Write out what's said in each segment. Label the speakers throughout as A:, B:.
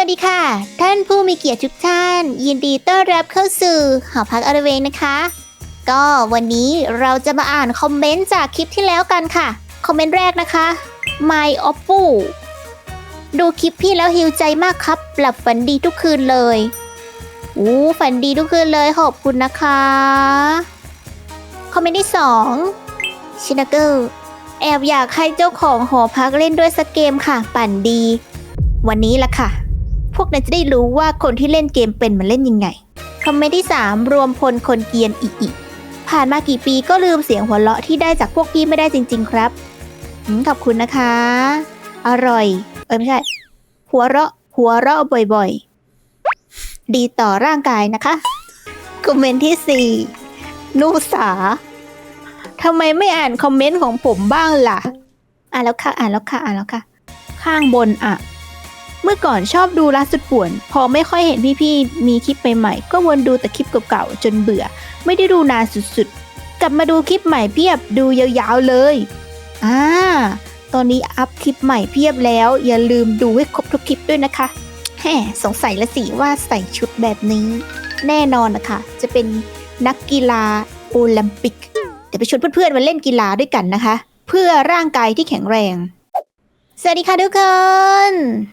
A: ดีค่ะท่านผู้มีเกียรติทุกท่านยินดีต้อนรับเข้าสู่หอพักอรเวงนะคะก็วันนี้เราจะมาอ่านคอมเมนต์จากคลิปที่แล้วกันค่ะคอมเมนต์แรกนะคะ My Oppo ดูคลิปพี่แล้วหิวใจมากครับหลับฝันดีทุกคืนเลยฝันดีทุกคืนเลยขอบคุณนะคะคอมเมนต์ที่2ชินาเกิลแอบอยากให้เจ้าของหอพักเล่นด้วยสักเกมค่ะปั่นดีวันนี้ละค่ะพวกนายจะได้รู้ว่าคนที่เล่นเกมเป็นมันเล่นยังไงคอมเมนต์ที่3รวมพลคนเกรียนอีผ่านมากี่ปีก็ลืมเสียงหัวเราะที่ได้จากพวกพี่ไม่ได้จริงๆครับขอบคุณนะคะอร่อยไม่ใช่หัวเราะบ่อยๆดีต่อร่างกายนะคะคอมเมนต์ที่4นุสาทำไมไม่อ่านคอมเมนต์ของผมบ้างล่ะอ่านแล้วค่ะข้างบนเมื่อก่อนชอบดูรักสุดป่วนพอไม่ค่อยเห็นพี่ๆมีคลิปใหม่ๆก็วนดูแต่คลิปเก่าๆจนเบื่อไม่ได้ดูนานสุดๆกลับมาดูคลิปใหม่เพียบดูยาวๆเลยตอนนี้อัพคลิปใหม่เพียบแล้วอย่าลืมดูให้ครบทุกคลิปด้วยนะคะสงสัยละสิว่าใส่ชุดแบบนี้แน่นอนนะคะจะเป็นนักกีฬาโอลิมปิกเดี๋ยวไปชวนเพื่อนๆมาเล่นกีฬาด้วยกันนะคะเพื่อร่างกายที่แข็งแรงสวัสดีค่ะทุกคน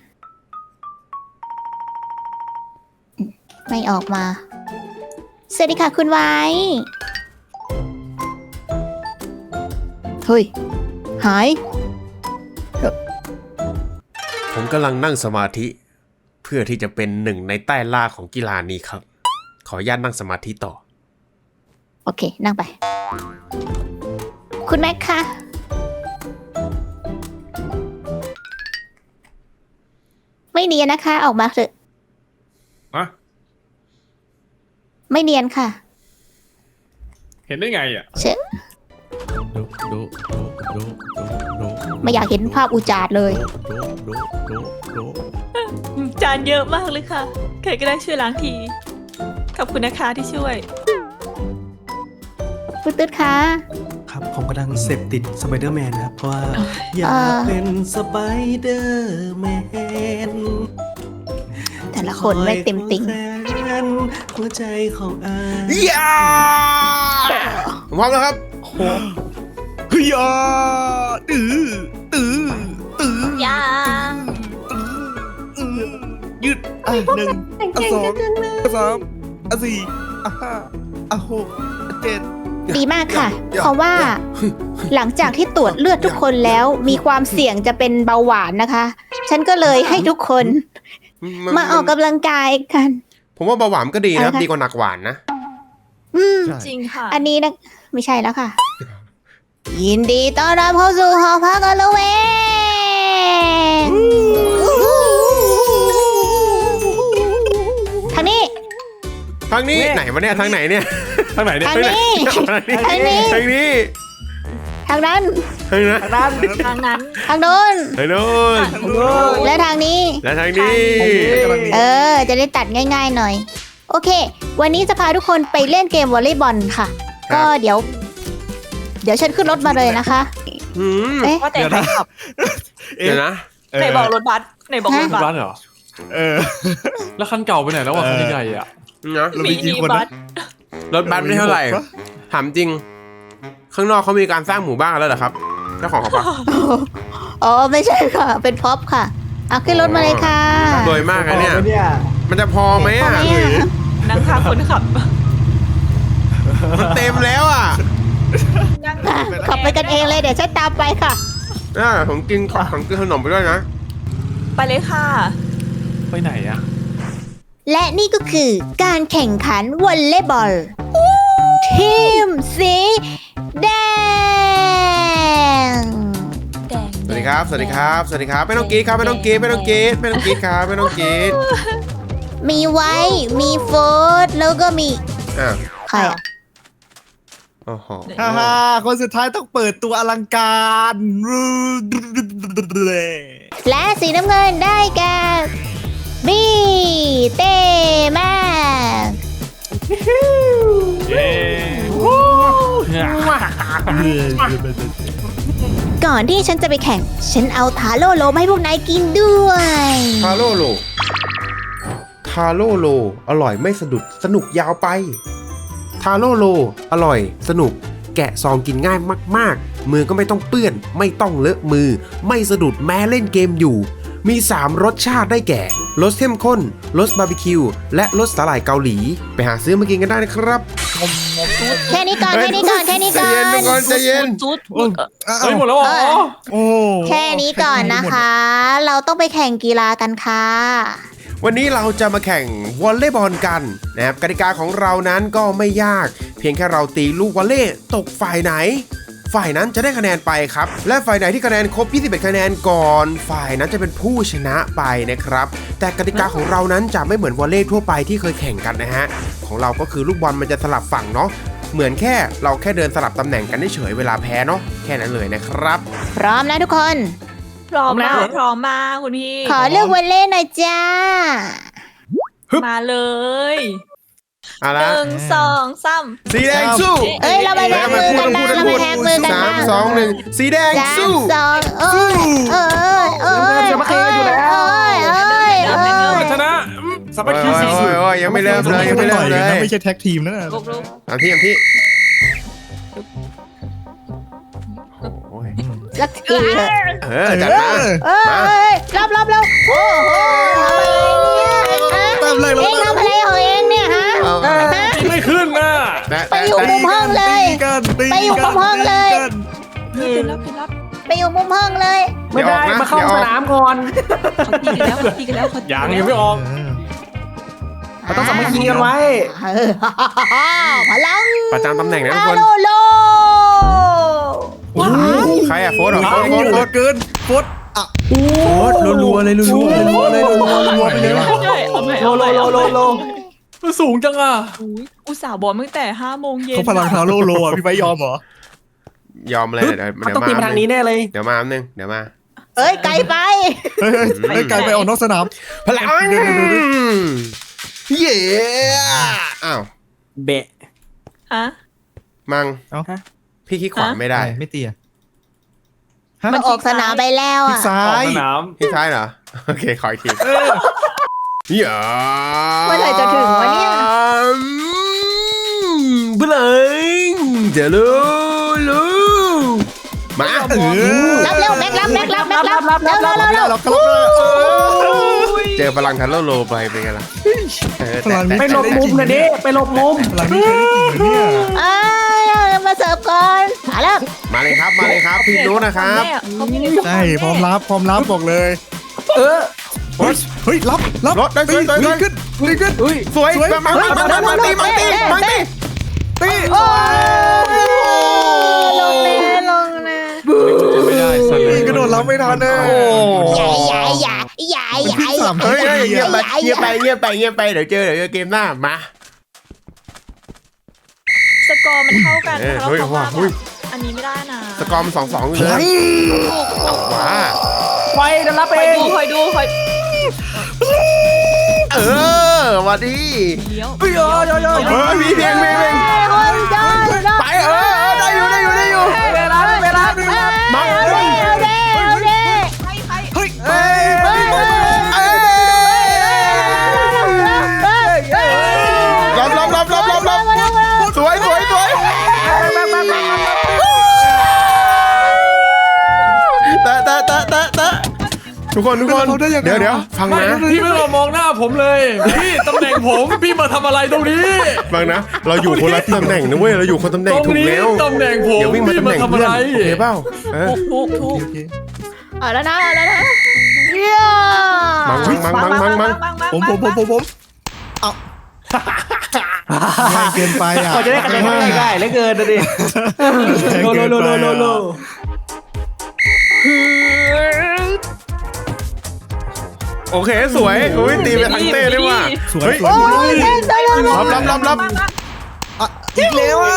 A: ไม่ออกมาสวัสดีค่ะคุณไว้เฮ้ยหาย
B: ผมกำลังนั่งสมาธิเพื่อที่จะเป็นหนึ่งในใต้ล่าของกีฬานี้ครับขออนุญาตนั่งสมาธิต่อ
A: โอเคนั่งไปคุณแม็กค่ะไม่เนียนนะคะออกมาเถอะไม่เนียนค่ะ
C: เห็นได้ไงอ่ะ
A: เชะไม่อยากเห็นภาพอุจาดเลย
D: จานเยอะมากเลยค่ะใครก็ได้ช่วยล้างทีขอบคุณนะคะที่ช่วย
A: ปุ๊ดตึ๊ดค่ะ
E: ครับผมกำลังเสพติดสไปเดอร์แมนครับเพราะว่าอยากเป็นสไปเดอร์แมน
A: แต่ละคนไม่เต็มติ่ง
E: หัวใจของอา
B: พร้อมแล้วครับ
E: เฮียตื้อย
D: า
E: ยืด1 2 3 4 5 6 7
A: ดีมากค่ะเพราะว่าหลังจากที่ตรวจเลือดทุกคนแล้วมีความเสี่ยงจะเป็นเบาหวานนะคะฉันก็เลยให้ทุกคนมาออกกำลังกายกัน
B: ผมว่าเบาหวานก็ดีนะดีกว่าหนักหวานนะ
D: จริงค่ะ
A: อันนี้นะไม่ใช่แล้วค่ะยินดีต้อนรับเข้าสู่หอพักอรเวงทางนี้
B: ไหนวะเนี่ยทางไหนเนี่ย
C: ทางไหนเนี่ย
A: ทางนี้ทางนี้
B: ทางนี้
A: ทางนั้น
D: ทางนั้น
A: ทางโน้นและทางนี้จะได้ตัดง่ายๆหน่อยโอเควันนี้จะพาทุกคนไปเล่นเกมวอลเลย์บอลค่ะก็เดี๋ยวฉันขึ้นรถมาเลยนะคะ
D: ว่าแต่ใครขับ
B: เดี๋ยวนะ
D: ไหนบอกรถบัส
C: เหรอแล้วคันเก่าไปไหนแล้ววะคันใหญ่อ่ะ
D: มีกี่คนนะ
B: รถบัสไม่เท่าไหร่ถามจริงข้างนอกเขามีการสร้างหมู่บ้านแล้วเหรอครับเจ้าของเขาปะ
A: ไม่ใช่ค่ะเป็นพ็อปค่ะเอาขึ้นรถมาเลยค่ะ
B: โดยมากนะเนี่ยมันจะพอไหมอ่ะ
D: นั่งข้างคนขับ
B: มันเต็มแล้วอ่ะ
A: ขับไปกันเองเลยเดี๋ยวฉันตามไปค่ะ
B: ผมกินขนมไปด้วยนะ
D: ไปเลยค่ะ
C: ไปไหนอ่ะ
A: และนี่ก็คือการแข่งขันวอลเลย์บอลทีมสีแดง
B: สวัสดีครับไม่ต้องกรี๊ดครับไม่ต้องกรี๊ดครับ
A: มีไว้มีโฟร์แล้วก็มีใครอ่ะ
E: คนสุดท้ายต้องเปิดตัวอลังการ
A: และสีน้ำเงินได้แก่บีเต้มากก่อนที่ฉันจะไปแข่งฉันเอาทาโร่โลมาให้พวกนายกินด้วย
B: ทาโร่โลาโร่โลอร่อยไม่สะดุดสนุกยาวไปทาโร่โลอร่อยสนุกแกะซองกินง่ายมากๆมือก็ไม่ต้องเปื้อนไม่ต้องเลอะมือไม่สะดุดแม้เล่นเกมอยู่มี3รสชาติได้แก่รสเข้มข้นรสบาร์บีคิวและรสสาหร่ายเกาหลีไปหาซื้อมากินกันได้นะครับ
A: แค่นี้ก่อน แค่นี้ก่อน แค่นี้ก่อน
B: ใจเย็นทุกคนใจเย็น
D: จุด
C: เฮ้ยหมดแล้วเหรอ
E: โอ้
A: แค่นี้ก่อนนะคะ เราต้องไปแข่งกีฬากันค่ะ
B: วันนี้เราจะมาแข่งวอลเลย์บอลกันนะครับกติกาของเรานั้นก็ไม่ยากเพียงแค่เราตีลูกวอลเลย์ตกฝ่ายไหน ฝ่ายนั้นจะได้คะแนนไปครับและฝ่ายไหนที่คะแนนครบ21คะแนนก่อนฝ่ายนั้นจะเป็นผู้ชนะไปนะครับแต่กติกาของเรานั้นจะไม่เหมือนวอลเลย์ทั่วไปที่เคยแข่งกันนะฮะของเราก็คือลูกบอลมันจะสลับฝั่งเนาะเหมือนแค่เราแค่เดินสลับตำแหน่งกันเฉยๆเวลาแพ้เนาะแค่นั้นเลยนะครับ
A: พร้อมนะทุกคน
D: พร้อมแล้วพร้อมมากคุณพี่
A: ขอเลือกวอลเล่หน่อยจ้า
D: มาเลย
B: เอา
D: ห
B: ละ
D: นึ่งสองสาม
B: สีแดงสู้
A: เอ้ยเราไปแท็กมือกันนะเราไปแท็กมือกัน
B: สา
A: นะ
B: มสองหนึ่งสีแดง
A: สาม
B: สู้
A: สองเอ้ยเอ้ย
C: ชนะสามัคคี
B: โอ้ย
C: สี
B: โอ้ยโอ้ยยังไม่เริ่มเลยยังไม่เริ่มเลย
E: ไม่ใช่แท็กทีมนะ
D: ลุกลุก
B: ตามที่โอ้ย
A: สักทีเถอะ
B: จัดมา
A: เอ้ยรับโอ้โหทำอะไรเนี่ยเองทำอะไรของเองเนี่ยฮะ
C: ไม่ขึ้นนะ
A: ไปอยู่มุมห้องเลย ไปอยู่มุมห้องเลย
D: เต็มรับเต็มรับ
A: ไปอยู่มุมห้องเลย
B: ไม่ได้มาเข้าสนามก่อน
D: เขาตีกันแล้วเขาตีกันแล้วเขาตี
C: ยังไม่ออก
A: เราต้องสามัคคีกันไว้พลัง
B: ประจำตำแหน่งนะทุกคน
A: โลโล
B: ใครอะโฟร์เหรอโฟร์
E: โคตรเกินโคตรอ่ะโคตรรัวๆเลยรัวๆเลยรัวๆไปเลยว่ะ
D: ใช่เอาใหม่เอาใหม่
C: มันสูงจังอ่ะ
D: อุตส่าห์บอลตั้งแต่5 โมงเย็น
E: เขาพลังทาโร่โลอ่ะพี่ไปยอมเหรอย
B: อมเลยเดี๋ยวต้องตีมาทางนี้แน่เลยเดี๋ยวมาอันนึงเดี๋ยวมา
A: เอ้ยไกลไป
E: เฮ้ยไกลไปออกนอกสนาม
B: พลังเย้อ้าว
F: เบะ
D: ฮะ
B: มัง
E: เอ้า
B: พี่คิดขวาไม่ได้
E: ไม่ตีอ่ะ
A: มันออกสนามไปแล้ว
E: ที่
A: อ่ะ
E: ซ้า
C: ออก
E: ย
C: สนาม
B: พี่ซ้ายเหรอโอเคขออีกทีอย่า
A: เมื่อไหร่จะถึงวะเนี่ย
B: บลังเดี๋ยวลูมา
A: รับเร็วแม็กรับเร็วเร็ว
E: เราครับ
B: เจอพลังทันโลโลไปเป็นไงล่ะ
E: พลังนี้
F: ไปหลบมุมนะดิไปหลบมุม
E: พลังนี้ใช้ได้จริงเนี่ย
A: เอ้ยมาเสิร์ฟก่อนมาแล้ว
B: มาเลยครับพี่รู้นะครับ
E: ใช่พร้อมรับบอกเลย
F: เออ
E: เฮ้ยรับ
B: รถได้สวย
E: ดีขึ้น
B: สวยมาตี
A: โอ้ลงแน่
C: ไม่ได้สิ
E: นี่กระโดดรับไม่ทันเลย
A: อย่า
B: เฮ้ยเงียบไปเดี๋ยวเจอเกมหน้ามา
D: สกอร์มันเท่ากัน
B: เออ
D: เพราะ
B: เฮ้ย
D: เขาว่า
B: เฮ้ย
D: อันนี้ไม่ได้นะ
B: สกอร์มัน2-2เลยว้า
F: ไปเดี๋ยวรับ
D: คอ
F: เอย ง
D: ดูคอยดูคอย
B: วันดี
D: เลี้ยว
E: เฮ้ย
B: มีเพลง
A: คนจอด
B: ไปได้อยู่
F: เวลา
B: มา
A: เอาเด้
E: เฮ้ย
B: รับสวยแต่ทุกคนเดี๋ยวฟัง
C: ไม่
B: นะ
C: พี่ไม่ต้องมองหน้าผมเลยพี่ตำแหน่งผมพี่มาทำอะไรตรงนี้
B: ฟังนะเราอยู่คนละตำแหน่งนะเว้ยเราอยู่คนตำแหน่ง
C: ตรง
B: ถูก
C: นี้
B: แล้ว
C: ตำแหน่งผม
B: อย่าวิ่งมา
C: พี่
B: ตำแห
C: มา
B: น่ง
C: ทำ
B: เพื่
C: อะ
B: อน
C: ไร
B: โอเคเปล่า
D: ถูก
A: เอาแล้วนะเย้
B: มัง
E: ผมเอาง่ายเกินไปอ่ะ
F: ก็จะได้คะแนนง่ายๆเหลือเกินนะดิโล
B: โอเคสวยอุ้ยตีไปทางเต้ได้ว่ะ
E: สวย
B: เฮ้ย
A: โอ้ยเต้นได้เลย
B: รับ
E: อีกแล้วอ่ะ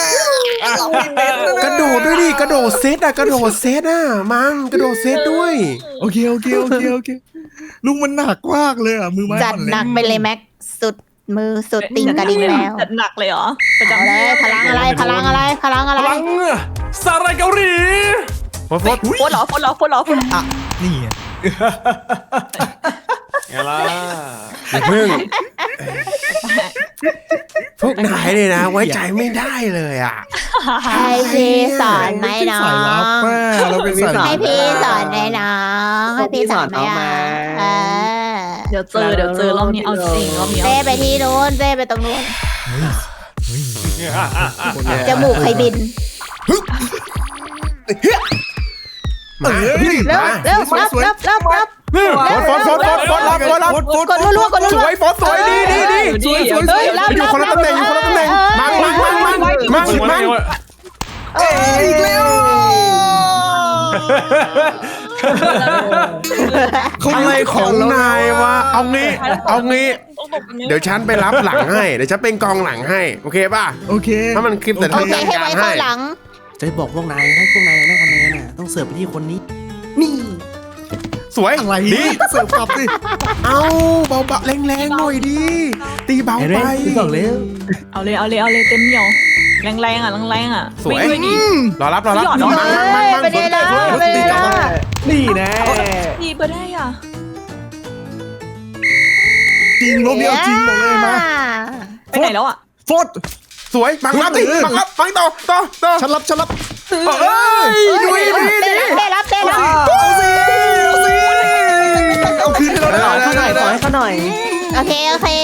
B: กระโดดด้วยดิกระโดดเซตอ่ะมังกระโดดเซตด้วย
E: โอเคลุงมันหนักมากเลยอ่ะมือไม้
A: จัดหนักไปเลยแม็กสุดมือสุดติ่งกระดิ่งแล้ว
D: จัดหนักเลยเหรอประ
A: เอา
D: จำ
A: เลยพลังอะไร
C: พลังสาหร่ายเกาหลี
B: โฟด
D: โฟนเหรอ
E: อ่ะนี่ไง
C: ไงล่ะ
B: อย่าเพิ่งพวกนายเลยนะ ไว้ใจไม่ได้เลยอ่ะ
A: ให้พี่สอนไหมน้อ
G: สายลับ
A: ง
G: แม่เราเป็นสายลับ
A: ให้พี่สอนไหมน้องให้พี่สอนไหมอ่ะเออ
D: เดี๋ยวเจอรอบนี้เอาจริงรอบนี้
A: เต้ไปที่นู้นเต้ไปตรงนู้นจมูกใครบิน
B: มา
A: เร็วเร็วรับ
B: ฟอสรับฟอส
A: กดรัวๆกดรั
B: ส
A: ว
B: วยฟอสสวยดีสวยอยู่คนละตำแหน่งมัง
G: อีกแล้ว
B: อะไรของนายวะเอางี้เดี๋ยวฉันไปรับหลังให้เดี๋ยวฉันเป็นกองหลังให้โอเคป่ะ
G: โอเค
B: ถ้ามันคลิปแต่
A: โอ
B: ทำ
A: เค
B: การ
A: ให้
B: การ
A: ไว้
B: ให้
A: ข้างหลัง
E: จะบอกพวกนายถ้าพวกนายได้คะแนนน่ะต้องเสิร์ฟไปที่คนนี้ นี่
B: สวย
G: อะไร
B: ดี
G: เสิร์ฟกลับสิ
B: เอาเบาๆแรงๆหน่อยดีตีเบา
E: ไอ้
B: ไป
E: เร่พี่บอกแล้ว
D: เอาเลยเต็มเหนียวแรงๆอ่ะวิ่งด้วยดิ
B: รอรับ
A: เฮ้ยไปได้แล้วไปได้แล้ว
E: นี่แน่
D: ดีไปได้อ่ะ
G: จริงรอบนี้เอาจริงบอกเลยมา
D: ไปไหนแล้วอ่ะ
G: โฟด
B: สวยบังรับดิบังรับบังต่อ
G: ฉันรับ
B: เอ้ยดูดี
A: ได้รับ
G: เอาสิเอาคืนให้เราได้
E: ขอให้เขาหน่อย
A: โอเค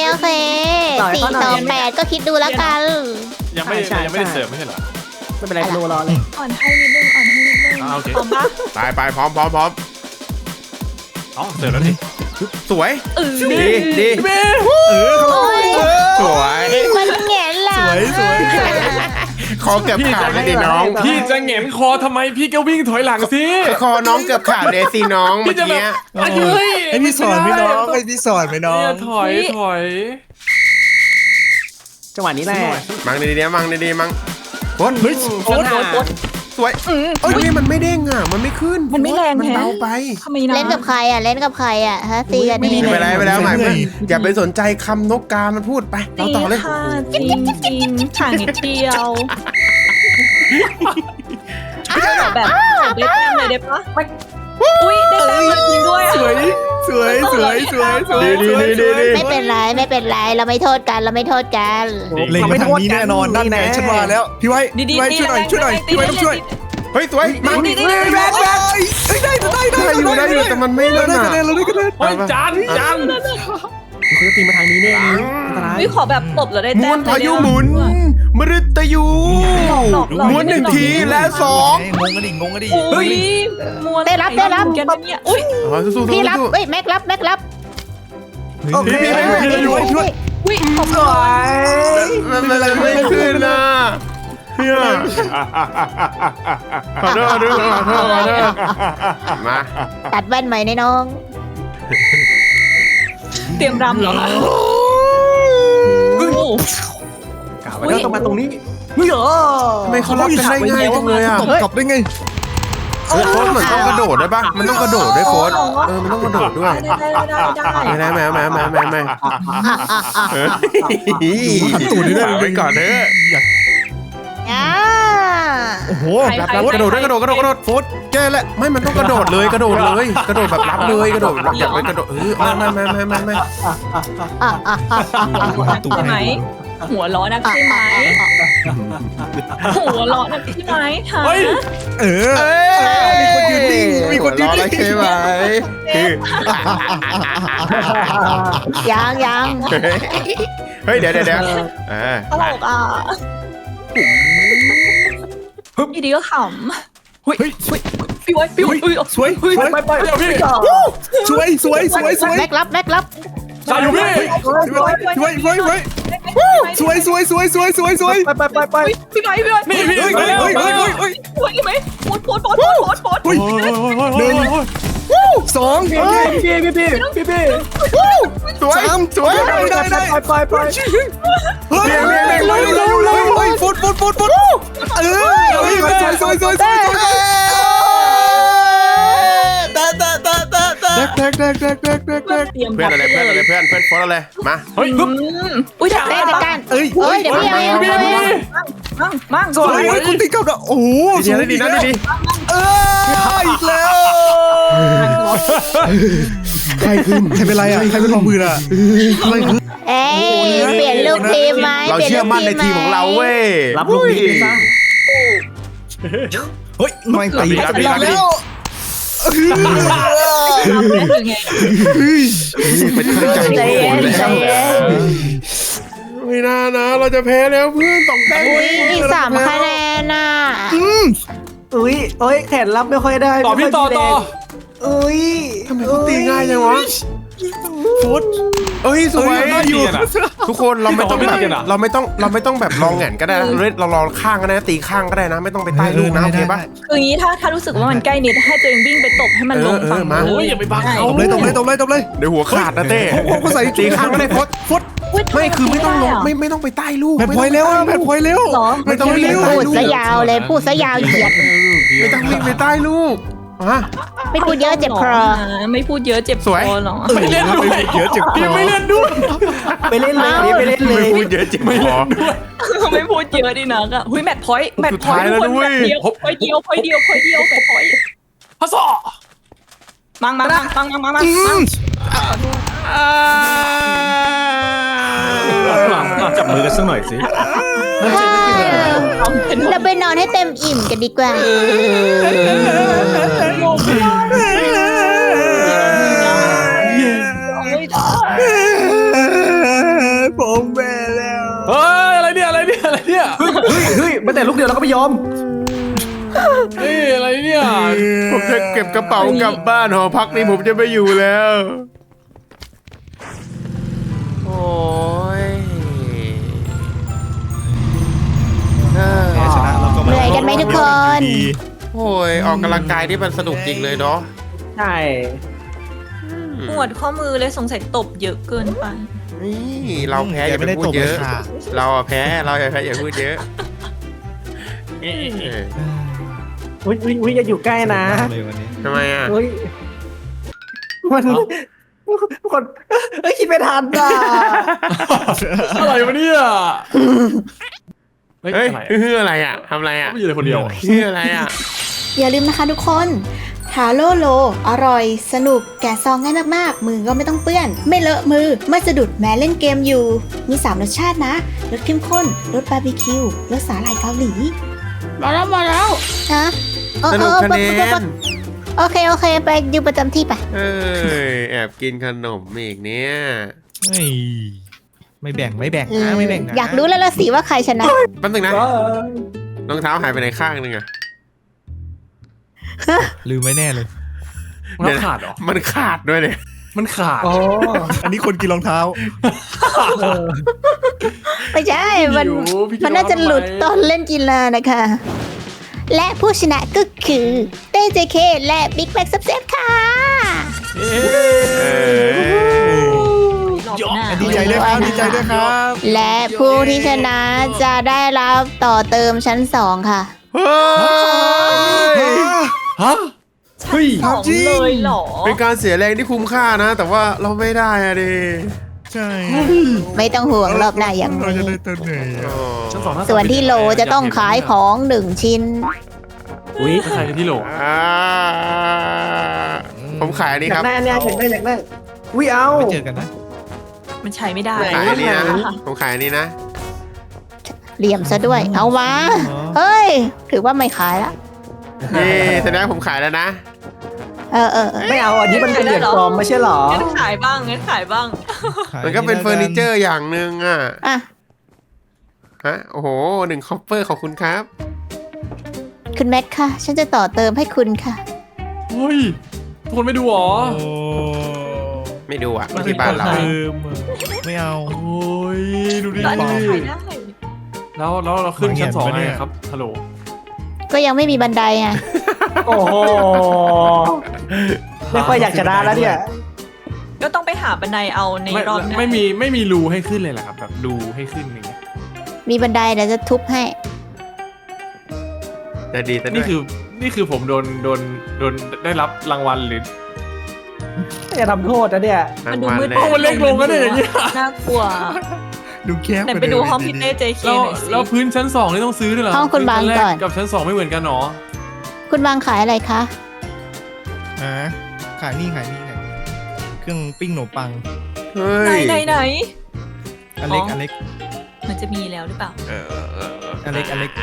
A: 4-8ก็คิดดูแล้วกัน
C: ยังไม่ได้เสิร์ฟไม่ใช่เหรอ
E: ไม่เป็นไรโลรอเลย
D: อ่อนให้นิดนึง
C: โอเค
D: พร้อมปะ
B: ไปพร้อม
C: อ๋อเสิร์ฟแล้วดิ
B: สวยดี
A: โอ้ย
B: สวย
A: มันแง่หลัง
B: คอเกือบขาดเลยดิน้อง
C: พี่จะแหงนคอทำไมพี่ก็วิ่งถอยหลังสิ
B: คอน้องเกือบขาดเลยสิน้องเมื่
C: พี่
B: อ
C: จะแบบ
B: กี้
C: เฮ้ย
G: ให้พี่สอนไหมน้องให้พี่สอนไหมน้อง
C: เนี่ยถอย
E: จังหวะนี้แหละ
B: มังดีๆมังโคตร
G: เฮ้ย
D: โคตร
B: สวยเอ้ยมันไม่เด้งอ่ะมันไม่ขึ้น
D: มันไม่แรง
B: มัน
D: แฮะ
B: เบาไป
D: ทำไมนะ
A: เล่นกับใครอ่ะฮะตีกันเอง
B: ไปแล้วใหม่เพื่อนอย่าไปสนใจคำนกกามันพูดไปเราต่อเลย
D: ค่ะจริงห่างนิดเดียวแบบได้แต้มเลยได้ปะอุ้ยได้แต้มเลยจริงด้วย
G: สวย
A: ไม่เป็นไรเราไม่โทษกัน
G: เล็งมาทางนี้แน่นอนนั่นไงฉันว่าแล้วพี่ไว้ช่วยหน่อยพี่ไว้ต้องช่วย
B: เฮ้ยสวยมัง
G: แบกได้
B: อยู่แต่มันไม่
G: เรา
B: เล่น
G: ได้
B: อ่ะ
G: คะแนนเราได้คะแนน
C: เฮ้ยจาน
E: คุณจะตีมาทางนี้แน่เลยอันตราย
D: วิขอแบบตบแล้วได้
B: ม
D: แต้
B: ว
D: ม
B: ลพายุหมุนมฤตยูม้วน1 ทีและ2
G: งงกันดิ
D: อุ้ยมัวแกเนี่ยอุ้ย
B: สู้ๆ
A: พี่รับเฮ้ยแม็กรับ
G: ช่วย
D: อุ้ยขอบคุณ
B: มันอะไรไม่ขึ้นนะขอโทษมา
A: ตัดแว่นใหม่ในน้อง
D: เตรียมรำเหรอคะ
E: กล่าวไว้แล้วต้องมาตรงนี้
G: เฮ้ยเหรอ
B: ทำไมเขารับกันได้ง่ายจังเลยอ่ะ
G: ตบกลับได้ไง
B: โค้ดเหมือนต้องกระโดดได้ปะมันต้องกระโดดด้วยโค้ดมันต้องกระโดดด้วย
D: ได้
B: ไม่ตูดได้ไปก่อนเถอะ
G: โอ้โห
B: กระโดดโค้ดแกแหละไม่มันต้องกระโดดเลยกระโดดแบบรับเลยกระโดดอย่าไปกระโดดไม่
G: ตูด
D: ใช่ไหมหัวล้อนักใช่ไหมหัวล้อนักใช่ไหมคะ
G: มีคนยืนนิ่ง
B: ใช่ไหม
A: ยัง
B: เฮ้ยเดี๋ยว
D: ตลกอ่ะอีดีก็ขำพี่ไว้
G: สวย
C: ไปเดี๋ยวพี่
A: แม็กรับ
C: จานอยู่พี่
G: ไป
D: พี่ไว้
C: นี่พี่
G: เฮ้ย
D: ไหมโพส
G: สอง
B: สวย
G: ได้ไปเฮ้ยฟุตสวยแดก
D: เตรียม
B: เพื่อนอะไรเพื่อนโฟนอะไรมา
C: เฮ้ย
D: อุ้ยเดี๋ยว
A: เต้จัดการ
G: เอ้ย
A: เดี๋ยวพี่เอา
C: พี่
D: มั่ง
G: สวยคุณตีกับโอ้โห
B: ดีนะดีนะดี
G: อีกแล้ว
B: ใครขึ้น
G: ใครเป็นไรอ่ะใครเป็นรองมืออ่ะอะไรคือ
A: เอ้ยเปลี่ยนลูกทีมไหม
B: เราเชื่อมั่นในทีมของเราเว้ย
F: รับลูกนี้ไปซะ
G: เฮ้ยไม่ตี
B: รับดี
G: แล้ว
D: เราเป็นยังไง
B: เป็นเครื่องจักร
A: ใจเย็นใจเย็น
B: ไม่น่านะเราจะแพ้แล้วเพื่อน2 แต้ม
A: อุ้ยอีก3 คะแนนน่ะ
F: อุ้ยโอ้ยแขนรับไม่ค่อยได้
C: ต่อพี่ต่อ
F: อุ้ย
B: ทำไมเขาตีง่ายจังวะ
G: ฟุต
B: เอ้ยสวย
C: ได้อยู่
B: ทุกคนเราไม่ต้อง
C: ไม่
B: แบ
C: ตี
B: บ
C: กันอะ
B: เราไม่ต้องแบบลองแหงนก็ได้นะเราลองข้างก็ได้นะตีข้างก็ได้นะ ไม่ต้องไปใต้ลูกนะโอเคปะ
D: คืออย่างนี้ถ้ารู้สึกว่ามันใกล้นิดให้ตัวเองวิ่งไปตบให้มันลงฝั่ง
B: มา
C: โอ้ยอย่าไปบังเขา
G: ตบเลยตบเลยตบเลยตบเลย
B: เดี๋ยวหัวขาดนะเต้
G: เขาใส่
B: ตีข้างก็ได้ฟุตไม่คือไม่ต้องลงไม่ต้องไปใต้ลูก
G: แผ่นพลอยเร็วแผ่นพลอยเร็ว
D: หรอ
B: ไม่ต้องวิ่งไป
A: พู
B: ใต้
A: ด
B: ลูก
A: ซะยาวเลยพูดซะยาวเหยียด
B: ไม่ต้องวิ่งไปใต้ลูกฮะ
A: ไม่พูดเยอะเจ็บคอ
D: ไม่พูดเยอะเจ็บ
B: สวย
D: คอหรอ
C: ไม่เล่นด้วย
G: เยอะเจ็บคอ
C: ไม่เล่นด้วย
F: ไปเล่นเลยอันนี้ไปเล่นเล
B: ไม่
F: ย
B: พูดเยอะจริงหรอ
D: ไม่พูดเยอะดินะก็หุยแมทพอยต์แมทพอยต์
B: สุดท้ายแล้ว
D: ทุกคน
B: ด้วย
D: แมทเดียวพอยต์เดียวแมทพอยต์
C: ฮัสซอ
D: มัง
F: จับมือกันสักหน่อยสิ
A: เราไปนอนให้เต็มอิ่มกันดีกว่า
G: ผมแพ้แล้ว
C: เฮ้ยอะไรเนี่ย
F: เฮ้ยไม่แต่ลูกเดียวเราก็ไม่ยอม
C: เฮ้ยอะไรเนี่ย
B: ผมจะเก็บกระเป๋ากลับบ้านหอพักนี้ผมจะไม่อยู่แล้ว โอ้ย
G: แพ้ชนะเราก็
A: เหนื่อยกันไหมทุกคน
B: โอ้ยออกกำลังกายที่มันสนุกจริงเลยเนาะ
F: ใช่
D: ปวดข้อมือเลยสงสัยตบเยอะเกินไป
B: นี่เราแพ้อย่าไปพูดเยอะ เราอะแพ้เราอย่าแพ้อย่าพูดเยอะเออ
F: อุ้ยอย่าอยู่ใกล้นะ
G: เลยวันนี้
B: ทำไมอะ
F: อุ้ยมันคนเอ้ยคิดไม่ทันอ่ะ
C: อะไรวะเนี่ยเฮ้ย
B: เฮ้ย
C: อะไร
B: คืออะไรอะทำอะไรอะ
C: ไม่อยู่เลยคนเดียว
B: คืออะไรอะ
A: อย่าลืมนะคะทุกคนทาโร่โลอร่อย สนุก แกะซองง่ายมากๆ มือก็ไม่ต้องเปื้อน ไม่เลอะมือ ไม่สะดุดแม้เล่นเกมอยู่ มี 3 รสชาตินะ รสเข้มข้น รสบาร์บีคิว รสสาหร่ายเกาหลี มาแล้วฮะ
B: สนุกคะแนน
A: โอเค ไปอยู่ประจำที่ไป
B: เอ้ยแอบกินขนมอีกเนี่ย
E: ไม่แบ่งนะไม่แบ่งนะ
A: อยากรู้แล้วละสิว่าใครชนะ
B: แป๊บนึงนะรองเท้าหายไปไหนข้างนึงอะ
E: ลืมไว้แน่เลย
C: มันขาดเหรอ
B: มันขาดด้วยเนี่ย
C: มันขาด
F: อ๋อ
G: อันนี้คนกินรองเท้า
A: ไม่ใช่ มัน
C: พี่
A: มันน่าจะหลุดตอนเล่นกีฬานะคะ และผู้ชนะก็คือเต้เจเคและบิ๊กแบ็กซับเซฟค่ะ
C: เอ๊ะ
G: ดีใจด้วยครับดีใจด้วยครับ
A: และผู้ที่ชนะจะได้รับต่อเติมชั้น 2 ค่ะ
B: เฮ้ย
C: ฮะ
G: เฮ้ย
D: ของเลยเหรอ
B: เป็นการเสียแรงที่คุ้มค่านะ แต่ว่าเราไม่ได้อะดิ
G: ใช่
A: ไม่ต้องห่วงรอบหน้าอย่าง
G: เราจะ
A: นี้
G: ได้ตัวไหน
B: อ๋อ
C: ชั้นสองน่าจะ
A: ส่วนที่โลจะต้องขายของ1 ชิ้น
F: อุ้ย
C: ใครที่โหล
B: อ่าผมขายอันนี้
F: อยา
B: ครั
F: ก
B: บ
F: ได้อันเนี้ยอยากได้อุ้ยเอา
E: ไม่เจอกันนะ
D: มันใช้ไม่ได้
B: ขายอันนี้นะผมขายอันนี้นะ
A: เหลี่ยมซะด้วย เอามา เฮ้ย ถือว่าไม่ขายละ
B: นี่แสดงว่าผมขายแล้วนะ
A: เออ
F: ไม่เอาอันนี้มันเป็นเหรียญปลอมไม่ใช่หรอ
D: งั้นขายบ้าง
B: มันก็เป็นเฟอร์นิเจอร์อย่างหนึ่งอ่ะ
A: อ่ะ
B: ฮะโอ้โห1 คอปเปอร์ขอบคุณครับ
A: คุณแม็กค่ะ ฉันจะต่อเติมให้คุณค่ะ
C: เฮ้ยทุกคนไม่ดูหรอ
E: โอ้
B: ไม่ดูอ่ะที่บ้านเรา
E: ไม่เอา
C: โอ้ยดูดิ
D: แล้วอันนี้ขายได้
C: แล้วเราขึ้นชั้น 2
E: วางแผน
C: ไง
E: ปะเนี่ย
C: ครับฮัลโหล
A: ก็ยังไม่มีบันไดไง
F: โอ้โหไม่ค่อยอยากชนะแล้วเนี่ย
D: ก็ต้องไปหาบันไดเอาในรอบหน้า
C: ไม่มีรูให้ขึ้นเลยเหรอครับแบบรูให้ขึ้นอย่างเงี้ย
A: มีบันไดเดี๋ยวจะทุบให้
B: จะดีซะด้
C: นี่
B: วย
C: คือผมโดนได้รับรางวัลหรือ
F: จะทำโทษนะเนี่ย
D: มันดูมืด
B: รางวัล
C: มันเล็กลงก็ได้อย่างเงี้ย
D: น่ากลัว
G: ดูแคบ
D: ไหนไปดูห้องพี่เต้เจเค
C: แล้ว
D: หน่อยสิ
C: แล้วพื้นชั้น 2 นี่ต้องซื้อด้วยเหรอ
A: ห้องคุณบาง
C: พื้นชั้นแร
A: ก่อน
C: กับชั้น 2 ไม่เหมือนกันหรอ
A: คุณบางขายอะไรคะ
G: ขายนี่เครื่องปิ้งขนมปัง
B: เฮ้
D: ไหน
B: ย
D: ไหน
G: อเล็กอเล็ก
D: มันจะมีแล้วหรือเปล่า
G: อเล็ก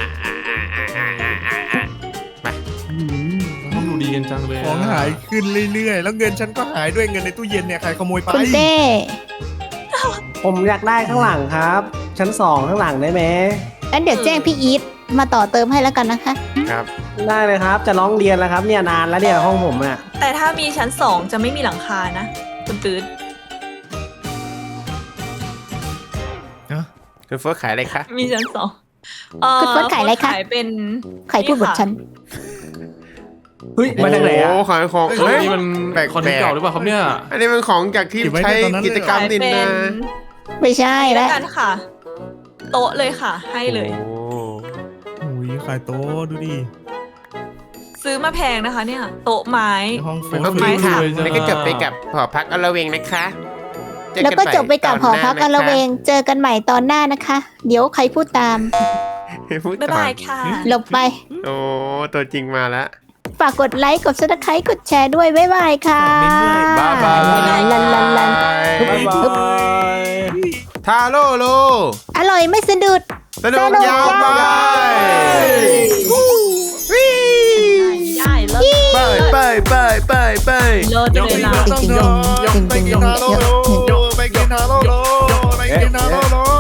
C: ต้องดูดีกันจังเลย
G: ของหายขึ้นเรื่อยๆแล้วเงินฉันก็หายด้วยเงินในตู้เย็นเนี่ยใครขโมยไป
A: คุณเต้
F: ผมอยากได้ข้างหลังครับ ชั้น 2 ข้างหลังได้ไหม
A: งั้นเดี๋ยวแจ้งพี่อีทมาต่อเติมให้แล้วกันนะคะ
B: ครับ
F: ได้เลยครับ จะร้องเรียนแล้วครับเนี่ยนานแล้วเนี่ยห้องผมอ่ะ
D: แต่ถ้ามีชั้น 2 จะไม่มีหลังคานะคุณตืด
B: คุณเฟิร์สขายอะไรคะ
D: มีชั้น 2
A: คุณเฟิร์สขายอะไรคะ
D: ขายเป็น
A: ใครพูดบทฉัน
F: เฮ้ยมาจากไหนอ่ะ
B: โอ้ขายของ
C: เฮ้
B: เฮ้
C: ย
B: ย
C: นี่มัน
B: แปลกๆ
C: คอนเทนต์เก่าหรือเปล่าครับเนี่ย
B: อันนี้เป็นของจากที่ใช้กิจกรรม
D: ขาย
B: ดิน
D: เป็น
B: นะ
A: ไม่ใช่
D: แล้
A: แล้ว ว
D: กันค่ะ โต๊ะเลยค่ะ ให้เลย
B: โอ้
G: โอ้ยขายโต๊ะดูดิ
D: ซื้อมาแพงนะคะเนี่ย โต๊ะไม้
G: ห้องเฟ
B: ก็
G: ร
B: คือ
G: ม
B: ค่ะ
C: รวยจัง
B: แล้วก็จบไปกับหอพักอลเวงนะคะเจอ
A: แล้วก็จบไปกับหอพักอละเว
B: ง
A: ง เจอกันใหม่ตอนหน้านะคะ เดี๋ยวใครพูดตาม
B: พูด
D: บ๊าย
B: ต่อบ
D: ายค่ะ
A: หลบไป
B: โอ้ตัวจริงมาแล้ว
A: ฝากกดไลค์ กดซับสไครต์กดแชร์ด้วย บ๊ายบายค่ะ
B: บ๊ายบาย
A: ลันลันลัน
F: บ๊ายบาย
B: ทาโร่โล
A: อร่อยไม่สะดุด
B: สนุกยาวไป
D: ได้เลิศ
B: ไป
D: เลิศเลยล่ะ
G: ไปกินฮาโลโลไปกินฮาโลโล